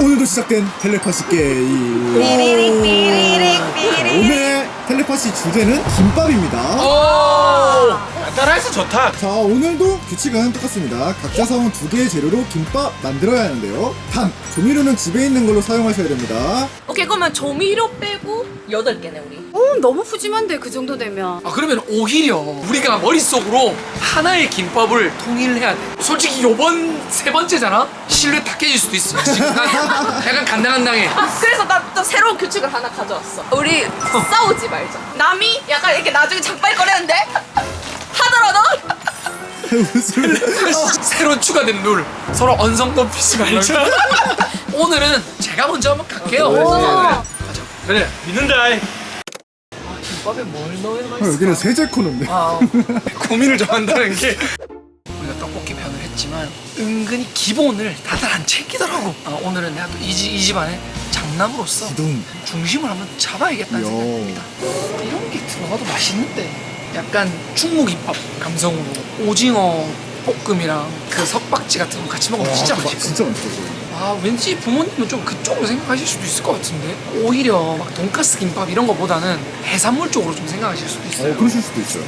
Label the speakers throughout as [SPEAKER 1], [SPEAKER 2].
[SPEAKER 1] 오늘도 시작된 텔레파시 게임.
[SPEAKER 2] 삐리릭 삐리릭 삐리릭.
[SPEAKER 1] 오늘의 텔레파시 주제는 김밥입니다.
[SPEAKER 3] 오! 간단해서 좋다.
[SPEAKER 1] 자, 오늘도 규칙은 똑같습니다. 각자 사온 2개의 재료로 김밥 만들어야 하는데요. 단, 조미료는 집에 있는 걸로 사용하셔야 됩니다.
[SPEAKER 2] 오케이, 그러면 조미료 빼고 8개네 우리.
[SPEAKER 4] 너무 푸짐한데 그 정도 되면.
[SPEAKER 3] 그러면 오히려 우리가 머릿속으로 하나의 김밥을 통일해야 돼. 솔직히 요번 3번째잖아? 실내 다 깨질 수도 있어. 지금 약간 간당간당해.
[SPEAKER 2] 그래서 나 또 새로운 규칙을 하나 가져왔어. 우리 싸우지 말자. 남이 약간 이렇게 나중에 장발거리는데 하더라도
[SPEAKER 1] 무슨
[SPEAKER 3] 새로 추가된 룰. 서로 언성 높이지 말자. 오늘은 제가 먼저 한번 갈게요. 가자.
[SPEAKER 5] 그래 믿는다.
[SPEAKER 3] 김밥에 뭘 넣어야
[SPEAKER 1] 아,
[SPEAKER 3] 맛있어?
[SPEAKER 1] 여기는 세제 코너인데.
[SPEAKER 3] 고민을 좀 한다는 게 우리가 떡볶이 편을 했지만 은근히 기본을 다들 안 챙기더라고. 오늘은 내가 또 이 집안의 장남으로서
[SPEAKER 1] 기둥.
[SPEAKER 3] 중심을 한번 잡아야겠다는
[SPEAKER 1] 야.
[SPEAKER 3] 생각입니다. 이런 게 들어가도 맛있는데 약간 충무김밥 감성으로 오징어 볶음이랑 그 석박지 같은 거 같이 먹으면 진짜 맛있거든.
[SPEAKER 1] 진짜 맛있어.
[SPEAKER 3] 왠지 부모님은 좀 그쪽으로 생각하실 수도 있을 것 같은데 오히려 막 돈가스 김밥 이런 거보다는 해산물 쪽으로 좀 생각하실 수도 있어요.
[SPEAKER 1] 그러실 수도 있어요.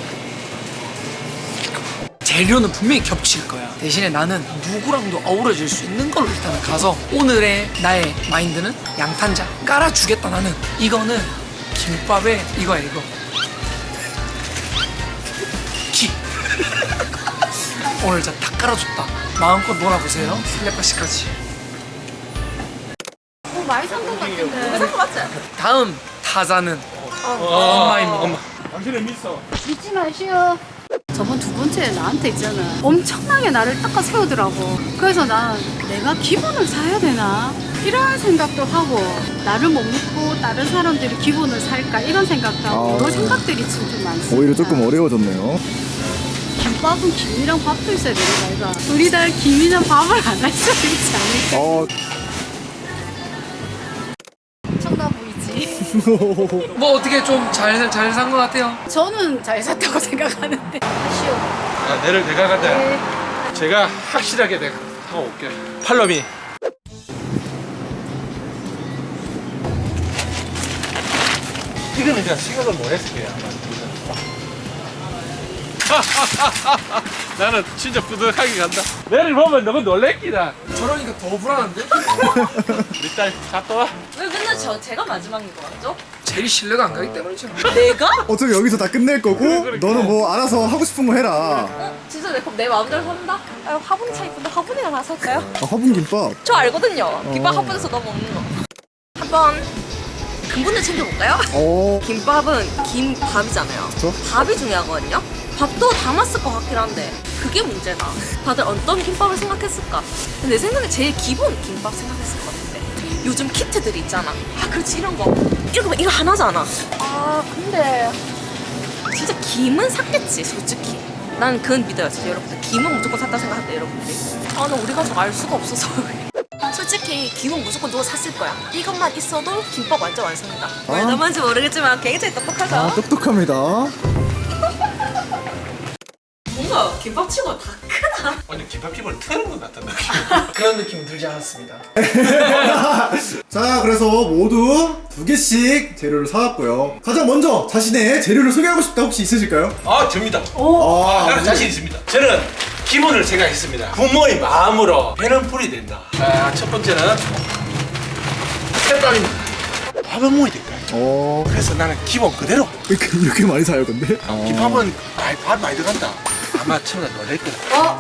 [SPEAKER 3] 재료는 분명히 겹칠 거야. 대신에 나는 누구랑도 어우러질 수 있는 걸로 일단은 가서 오늘의 나의 마인드는 양탄자 깔아주겠다. 나는 이거는 김밥에 이거야 이거 키 오늘 진짜 다 깔아줬다. 마음껏 놀아보세요. 텔레파시까지.
[SPEAKER 4] 많이 산 것 같은데.
[SPEAKER 2] 그거 맞지?
[SPEAKER 3] 다음 타자는 엄마입니다.
[SPEAKER 5] 당신은 믿어.
[SPEAKER 4] 믿지 마시오. 저번 2번째 나한테 있잖아. 엄청나게 나를 닦아 세우더라고. 그래서 난 내가 기본을 사야 되나? 이런 생각도 하고 나를 못 믿고 다른 사람들이 기본을 살까? 이런 생각도 하고 여러 생각들이 지금 좀 많습니다.
[SPEAKER 1] 오히려 조금 어려워졌네요.
[SPEAKER 4] 김밥은 김이랑 밥도 있어야 되는 거 아이가? 우리 다 김이랑 밥을 안 할 수 있지 않을까? 청나 보이지?
[SPEAKER 3] 뭐 어떻게 좀 잘 산 것 같아요?
[SPEAKER 4] 저는 잘 샀다고 생각하는데. 아쉬워.
[SPEAKER 5] 내를 내가 간다.
[SPEAKER 4] 네.
[SPEAKER 5] 제가 확실하게 내가 하고 올게. 팔로미. 이거는 그냥 생각을 못 했을 거야. 나는 진짜 뿌듯하게 간다. 내를 보면 너무 놀랬기다.
[SPEAKER 3] 저러니까 더 불안한데?
[SPEAKER 5] 우리 딸 갔다 와.
[SPEAKER 2] 왜 맨날 제가 마지막인 거 같죠?
[SPEAKER 3] 제일 신뢰가 안 가기 때문이죠.
[SPEAKER 2] 내가?
[SPEAKER 1] 어차피 여기서 다 끝낼 거고,
[SPEAKER 5] 그래.
[SPEAKER 1] 너는 뭐 알아서 하고 싶은 거 해라.
[SPEAKER 2] 진짜 그럼 내 마음대로 산다? 화분이 차 이쁜데 화분이가 나 살까요?
[SPEAKER 1] 화분 김밥.
[SPEAKER 2] 저 알거든요. 김밥 화분에서 너무 먹는 거. 한번 근본을 챙겨볼까요? 김밥은 김밥이잖아요.
[SPEAKER 1] 그쵸?
[SPEAKER 2] 밥이 중요하거든요. 밥도 담았을 것 같긴 한데 그게 문제다. 다들 어떤 김밥을 생각했을까? 내 생각에 제일 기본 김밥 생각했을 것 같은데 요즘 키트들이 있잖아. 그렇지 이런 거 이거 하나잖아. 근데 진짜 김은 샀겠지 솔직히. 난 그건 믿어요. 진짜 여러분들 김은 무조건 샀다 생각한대 여러분들이. 난 우리 가족 알 수가 없어서 솔직히 김은 무조건 누가 샀을 거야. 이것만 있어도 김밥 완전 완성이다. 왜 너무한지 모르겠지만 굉장히 똑똑하죠?
[SPEAKER 1] 똑똑합니다.
[SPEAKER 2] 뭔가 김밥 치고 다 크다.
[SPEAKER 5] 완전 김밥집을 트는 것 같은 느낌.
[SPEAKER 3] 그런 느낌은 들지 않았습니다.
[SPEAKER 1] 자, 그래서 모두 2개씩 재료를 사왔고요. 가장 먼저 자신의 재료를 소개하고 싶다 혹시 있으실까요?
[SPEAKER 5] 접니다.
[SPEAKER 1] 아,
[SPEAKER 5] 나는 자신 있습니다. 저는 기본을 생각했습니다. 부모의 마음으로 배는 풀이 된다. 첫 번째는 햇밥입니다. 밥은 뭐야 될까요? 그래서 나는 기본 그대로.
[SPEAKER 1] 이렇게 많이 사요, 근데?
[SPEAKER 5] 김밥은 밥 많이 들어간다. 아마 처음에 놀랄 거다.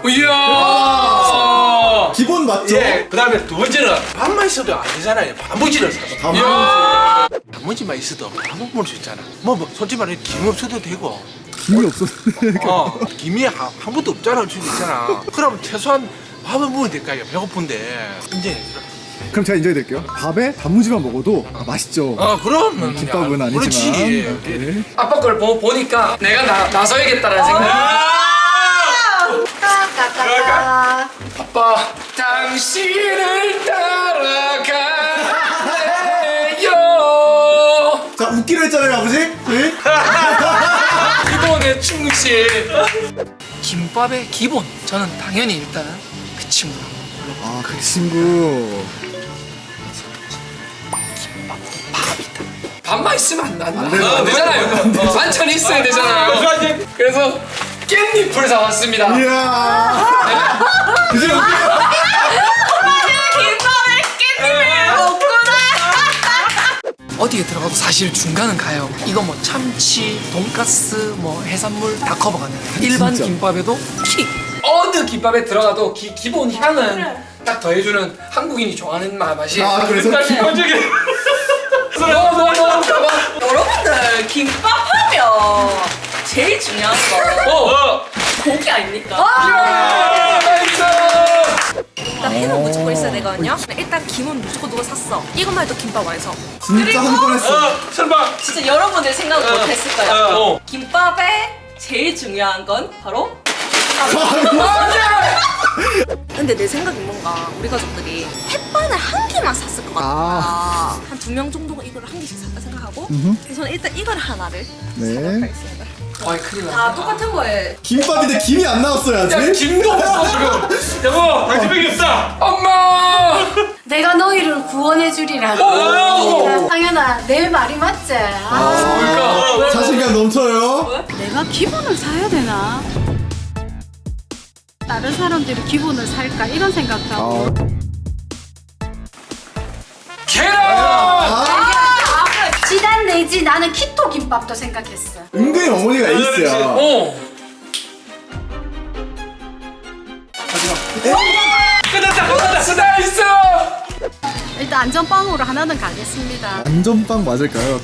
[SPEAKER 3] 이야!
[SPEAKER 1] 기본 맞죠?
[SPEAKER 5] 예. 그 다음에 2번째는 밥만 있어도 안 되잖아요. 단무지를 사서. 단무지만 있어도 밥 먹을 수 있잖아. 솔직히 말해 김 없어도 되고.
[SPEAKER 1] 김이 없었는데.
[SPEAKER 5] 김이 한 번도 없잖아. 줄 있잖아. 그럼 최소한 밥은 먹어야 될까요? 배고픈데. 이제
[SPEAKER 1] 그럼 제가 인정해드릴게요. 밥에 단무지만 먹어도 맛있죠.
[SPEAKER 5] 그럼
[SPEAKER 1] 김밥은 아니지만.
[SPEAKER 5] 그렇지.
[SPEAKER 1] 네.
[SPEAKER 3] 아빠 걸 보니까 내가 나서야겠다라는 생각.
[SPEAKER 4] 까까까까.
[SPEAKER 3] 아빠, 당신을 따라가네요.
[SPEAKER 1] 자, 웃기로 했잖아요, 아버지? 네?
[SPEAKER 3] 기본에 충실. 김밥의 기본. 저는 당연히 일단은 그 친구.
[SPEAKER 1] 그 친구.
[SPEAKER 3] 밥이다. 밥만 있으면 안
[SPEAKER 1] 돼요.
[SPEAKER 3] 되잖아요. 반찬이 있어야 되잖아요. 그래서 깻잎을 사왔습니다.
[SPEAKER 1] 이야. 이제
[SPEAKER 2] 김밥에 깻잎을 먹구나.
[SPEAKER 3] 어디에 들어가도 사실 중간은 가요. 이거 뭐 참치, 돈가스, 뭐 해산물 다 커버가는 일반
[SPEAKER 1] 진짜.
[SPEAKER 3] 김밥에도 어느 김밥에 들어가도 기본 향은 딱 더해주는 한국인이 좋아하는 맛이.
[SPEAKER 1] 아, 그래서
[SPEAKER 5] 기본적인
[SPEAKER 3] 너무
[SPEAKER 2] 여러분들 김밥 하면 제일 중요한 거 고기 아닙니까? 일단 햄은 무조건 있어야 되거든요. 일단 김은 무조건 누가 샀어. 이것만 해도 김밥 완성.
[SPEAKER 1] 진짜 한 번 했어.
[SPEAKER 5] 설마
[SPEAKER 2] 진짜 여러분들 생각을 못했을 거예요.
[SPEAKER 5] 어.
[SPEAKER 2] 김밥에 제일 중요한 건 바로 근데 내 생각엔 뭔가 우리 가족들이 햇반을 한 개만 샀을 것 같아. 한 2명 정도가 이걸 한 개씩 샀다 생각하고 그래서 저는 일단 이걸 하나를
[SPEAKER 1] 네.
[SPEAKER 2] 생각하겠습니다.
[SPEAKER 3] 와 큰일
[SPEAKER 2] 다
[SPEAKER 3] 났다.
[SPEAKER 2] 똑같은 거에
[SPEAKER 1] 김밥인데 김이 안 나왔어요
[SPEAKER 3] 야
[SPEAKER 1] 아직.
[SPEAKER 3] 김도 없어 지금.
[SPEAKER 5] 여보 당신밖에 없다.
[SPEAKER 3] 엄마.
[SPEAKER 4] 내가 너희를 구원해 주리라.
[SPEAKER 3] 오!
[SPEAKER 4] 상현아, 내 말이 맞지?
[SPEAKER 3] 뭘까?
[SPEAKER 1] 자신감 넘쳐요.
[SPEAKER 4] 내가 기본을 사야 되나? 다른 사람들이 기본을 살까 이런 생각도 하고.
[SPEAKER 3] 계란.
[SPEAKER 1] 아,
[SPEAKER 4] 지단 내지 나는 키토 김밥도 생각했어.
[SPEAKER 1] 은근히 어머니가 에이스야.
[SPEAKER 3] 어. 끝났다. 나이스.
[SPEAKER 4] 일단 안전빵으로 하나는 가겠습니다.
[SPEAKER 1] 안전빵 맞을까요?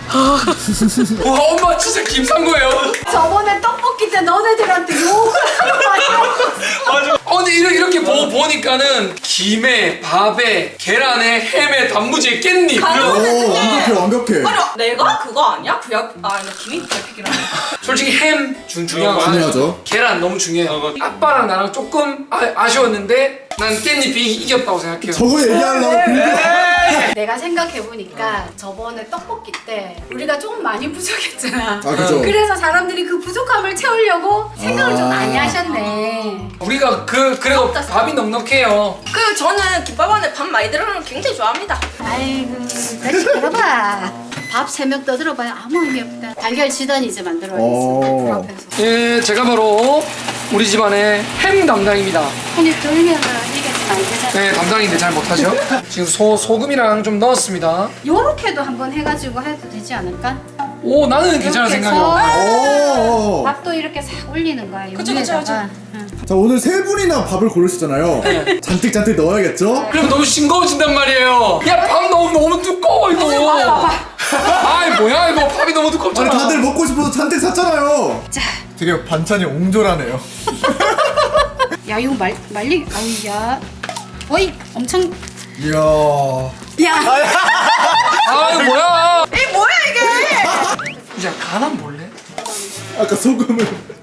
[SPEAKER 3] 와 엄마 진짜 김 산 거예요.
[SPEAKER 4] 저번에 떡볶이 때 너네들한테 욕을 하는 거야.
[SPEAKER 3] 근데 이렇게 보니까는 김에 밥에 계란에 햄에 단무지에 깻잎.
[SPEAKER 1] 오, 완벽해.
[SPEAKER 2] 아니 내가 그거 아니야? 나 김이 별픽이라네.
[SPEAKER 3] 솔직히 햄 중요하고
[SPEAKER 1] 중요하죠.
[SPEAKER 3] 계란 너무 중요해요. 아빠랑 나랑 조금 아쉬웠는데 난 깻잎이 이겼다고 생각해요.
[SPEAKER 1] 저거 얘기하려고 긁어.
[SPEAKER 4] 내가 생각해보니까 저번에 떡볶이 때 우리가 좀 많이 부족했잖아.
[SPEAKER 1] 아, 그죠.
[SPEAKER 4] 그래서 사람들이 그 부족함을 채우려고 생각을 좀
[SPEAKER 1] 아.
[SPEAKER 4] 많이 하셨네.
[SPEAKER 3] 우리가 그래도 밥이 넉넉해요.
[SPEAKER 2] 저는 김밥 안에 밥 많이 들어가는 거 굉장히 좋아합니다.
[SPEAKER 4] 아이고, 다시 들어봐. 밥 3명 떠들어봐야 아무 의미 없다. 달걀 지단이 이제 만들어야겠어. 불 앞에서.
[SPEAKER 3] 예, 제가 바로 우리 집안의 햄 담당입니다.
[SPEAKER 4] 손이 들면은 이게 잘 안 되잖아.
[SPEAKER 3] 네, 담당인데 잘 못하죠. 지금 소금이랑 좀 넣었습니다.
[SPEAKER 4] 요렇게도 한번 해가지고 해도 되지 않을까?
[SPEAKER 3] 오, 나는 괜찮은
[SPEAKER 4] 이렇게
[SPEAKER 3] 생각이야.
[SPEAKER 4] 해서
[SPEAKER 1] 오.
[SPEAKER 4] 밥도 이렇게 싹 올리는 거야.
[SPEAKER 2] 그쵸,
[SPEAKER 4] 위에다가.
[SPEAKER 2] 그쵸.
[SPEAKER 4] 응.
[SPEAKER 1] 자, 오늘 세 분이나 밥을 고르시잖아요. 잔뜩 넣어야겠죠?
[SPEAKER 3] 그럼 너무 싱거워진단 말이에요. 야, 밥 너무 두꺼워 이거. 아이 뭐야 이거 밥이 너무
[SPEAKER 1] 아니,
[SPEAKER 3] 두껍잖아.
[SPEAKER 1] 다들 먹고 싶어서 잔뜩 샀잖아요.
[SPEAKER 4] 자,
[SPEAKER 1] 되게 반찬이 옹졸하네요.
[SPEAKER 4] 야 이거 말리, 아우 야, 어이 엄청.
[SPEAKER 1] 이야.
[SPEAKER 4] 야,
[SPEAKER 3] 아 이거 뭐야?
[SPEAKER 2] 이 뭐야 이게?
[SPEAKER 3] 이제 간한 볼래?
[SPEAKER 1] 아까 소금을.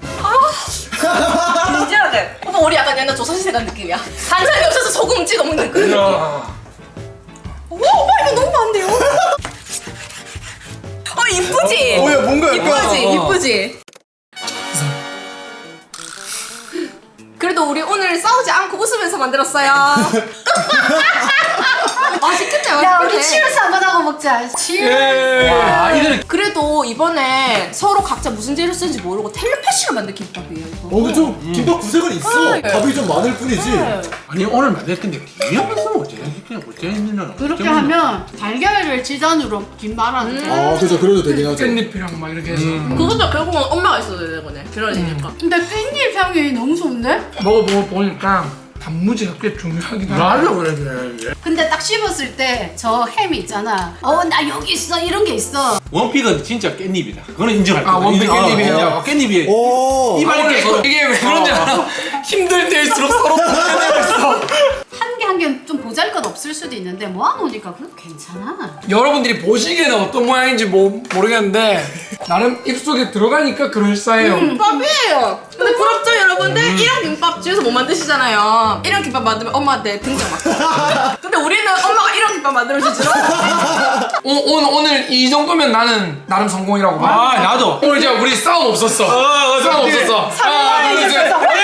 [SPEAKER 2] 진지하게. 오빠 우리 약간 옛날 조선시대 간 느낌이야. 반찬이 없어서 소금 찍어 먹는 그 느낌. 와 오빠 이거 너무 많은데요? 이쁘지?
[SPEAKER 1] 뭐야, 뭔가 약간.
[SPEAKER 2] 이쁘지? 이쁘지? 그래도 우리 오늘 싸우지 않고 웃으면서 만들었어요. 맛있겠네,
[SPEAKER 4] 야 우리
[SPEAKER 2] 맛있겠네.
[SPEAKER 4] 치얼스 한번 하고 먹자. 치얼스.
[SPEAKER 3] 예. 아 이거는
[SPEAKER 2] 그래도 이번에 서로 각자 무슨 재료 쓰는지 모르고 텔레파시로 만든 김밥이에요, 이거.
[SPEAKER 1] 근데 좀 김밥 구색은 있어. 밥이 좀 많을 뿐이지.
[SPEAKER 5] 아니 오늘 만들 건데 김이 없으면 어쩌겠냐.
[SPEAKER 4] 그렇게 하면 달걀을 지단으로 김 말아도 돼.
[SPEAKER 1] 아, 그죠. 그래도 되긴 하죠.
[SPEAKER 3] 깻잎이랑 막 이렇게 해서
[SPEAKER 2] 그것도 결국은 엄마가 있어야 되는 거네, 그러니까.
[SPEAKER 4] 근데 깻잎 향이 너무 좋은데?
[SPEAKER 3] 먹어보니까 단무지가 꽤 중요하긴 하다.
[SPEAKER 5] 말로 그러네.
[SPEAKER 4] 근데 딱 씹었을 때 저 햄이 있잖아. 나 여기 있어 이런 게 있어.
[SPEAKER 5] 원픽은 진짜 깻잎이다. 그거는 인정할 거야.
[SPEAKER 3] 원픽 깻잎이에요.
[SPEAKER 5] 깻잎이
[SPEAKER 1] 오.
[SPEAKER 5] 이빨이
[SPEAKER 3] 이게 왜 그런지 알아? 힘들 때일수록 서로 보내고 있어.
[SPEAKER 4] 한 개 좀 보잘것 없을 수도 있는데 모아놓으니까 그래도 괜찮아.
[SPEAKER 3] 여러분들이 보시기에는 어떤 모양인지 모르겠는데 나름 입속에 들어가니까 그럴싸해요.
[SPEAKER 2] 김밥이에요. 근데 부럽죠, 여러분들? 이런 김밥 집에서 못 만드시잖아요. 이런 김밥 만들면 엄마한테 등장 막. 근데 우리는 엄마가 이런 김밥 만들어주지.
[SPEAKER 3] 오늘 이 정도면 나는 나름 성공이라고 봐.
[SPEAKER 5] 아 나도.
[SPEAKER 3] 오늘 진짜 우리 싸움 없었어. 싸움 없었어.
[SPEAKER 2] 상관이 있었어.